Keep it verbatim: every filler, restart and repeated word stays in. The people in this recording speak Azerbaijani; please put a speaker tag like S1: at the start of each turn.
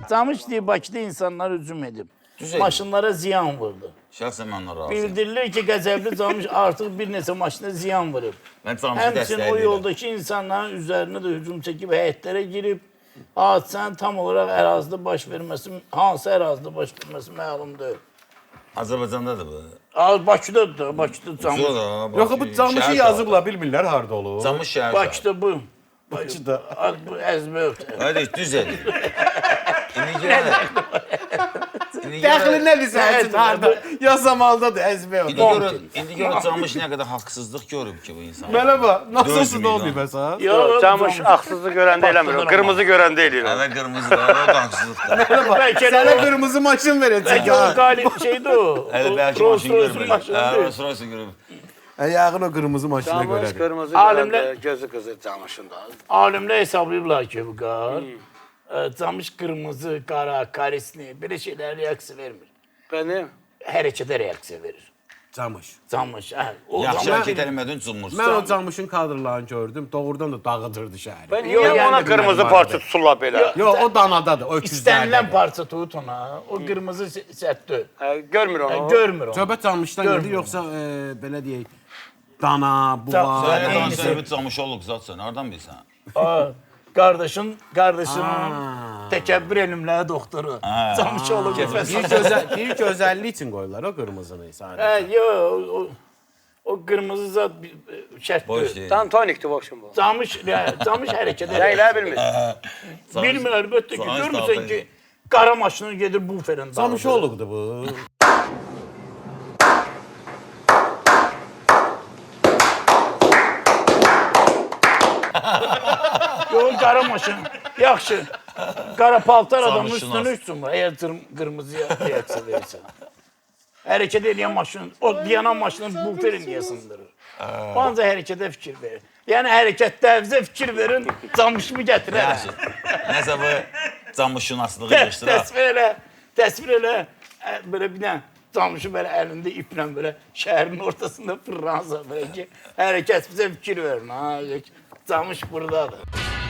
S1: Camış diye Bakıda insanlar hücum edib.
S2: Düzeydir.
S1: Maşınlara ziyan vurdu.
S2: Şəxsən mən ona razıyam.
S1: Bildirilir ki, Qəzəbli Camış artıq bir neçə maşına ziyan vurub.
S2: Mən Camışı
S1: Həmçinin o
S2: dəstəkləyirəm.
S1: yoldakı insanların üzərinə də hücum çəkib, həyətlərə girib, hadisənin tam olaraq ərazidə baş verməsi, hansı ərazidə baş verməsi məlum deyil.
S2: Azərbaycandadır bu.
S1: Az Bakıdadır da, Bakıda Camış.
S2: Sonra
S3: Yox, bu Camışı yazıblar, bilmirlər harda olur.
S2: Camış şəhər.
S1: Bakıda bu.
S3: Bakıda.
S1: Bu əzbə.
S2: Hadi düz edin. İndi görə. İndi
S3: Dəxli
S2: görə.
S3: nədir sənin harda? Yazamaldadır, əzbə
S2: İndi
S3: olur.
S2: görə, indi görə Camış nə qədər haqsızlıq görüb ki bu insan.
S3: Belə bax, nasıl
S2: dörd milyon.
S3: olmuyor məsələn?
S1: Yox,
S4: Camış haksızlık görəndə eləmir. Qırmızı görəndə eləyir.
S2: Hələ qırmızı da, hələ haqsızlıqdır.
S1: Bəlkə
S3: Sənə
S1: də
S3: qırmızı maşın verəcək
S1: Bəlkə o
S3: ha.
S1: qalib şeydir o.
S2: Hələ bəlkə
S1: Rolls
S2: maşın
S1: Royce'un
S2: görmür.
S1: maşını
S2: Hə,
S1: deyil.
S2: Rolls Royce görüb.
S3: Yağın o qırmızı maşına
S4: Camış
S3: görədir.
S4: qırmızı
S1: Alimlər-
S4: görəndə gözü qızır Camışın da.
S1: Alimlər hesablayıblar ki, bu qar. e, Camış qırmızı, qara, karisli, belə şeylərə reaksiya vermir.
S4: Benim
S1: Hərəkətə reaksiya verir.
S3: Camış.
S1: Camış, hə. O
S2: Yaxşı
S1: Camış-
S2: hərəkət eləmədin cumursun.
S3: Mən o Camışın kadrlarını gördüm. Doğrudan da dağıdırdı şəhəri.
S4: ben
S1: Yox,
S4: niye
S1: yəni
S4: ona kırmızı
S3: bilmem
S4: parça
S3: vardı.
S4: tuturlar belə?
S3: Yox, o danadadır, o
S1: İstənilən
S3: öküzlərdə.
S1: parça tut ona. O qırmızı sətdir.
S4: Hə, görmür onu.
S1: Görmür onu.
S3: Söhbət Camışdan gedir,
S1: Görmürəm.
S3: yoxsa e, belə deyək, dana, buğa.
S2: Sən
S1: Eyni
S2: də
S1: şey.
S2: söhbət camış olub zatsan, hardan bilsən?
S1: Aa, Qardaşın, qardaşının təkəbbür elmləri doktoru. Camış olub
S3: Bir
S1: nəfəs.
S3: gözəl, bir gözəllik üçün qoyurlar o qırmızını sadəcə.
S1: Hə, yox, o, o qırmızı zat bir- şərt
S2: Boş
S1: deyil.
S2: deyil.
S4: Tam tonikti bu akşam bu.
S1: Camış, hə, camış hərəkət edir.
S4: Rəylər bilmir.
S1: Bilmir əlbəttə ki,
S2: Camış
S1: görmürsən
S2: dalda
S1: ki, qara maşını gedir buferin
S3: Camış olubdu bu.
S1: Yox, qara maşın. Yaxşı. Qara paltar adamın
S2: Camışın
S1: üstünə
S2: az.
S1: üstün var. Əgər qır- qırmızıya reaksiya verirsən. Hərəkət edən maşın, o dayanan maşının buferin niyə sındırır? Ancaq hərəkətə fikir verir. Yəni hərəkətlərinizə fikir verin, camışımı gətirər.
S2: Yaxşı. Nəsə bu camışşünaslığı
S1: Tə-
S2: yığışdıraq.
S1: Təsvir elə, təsvir elə. ə, Belə bir dənə camışı belə əlində iplə belə şəhərin ortasında fırlansa belə ki, hərəkət bizə fikir verin. Ha, camış buradadır.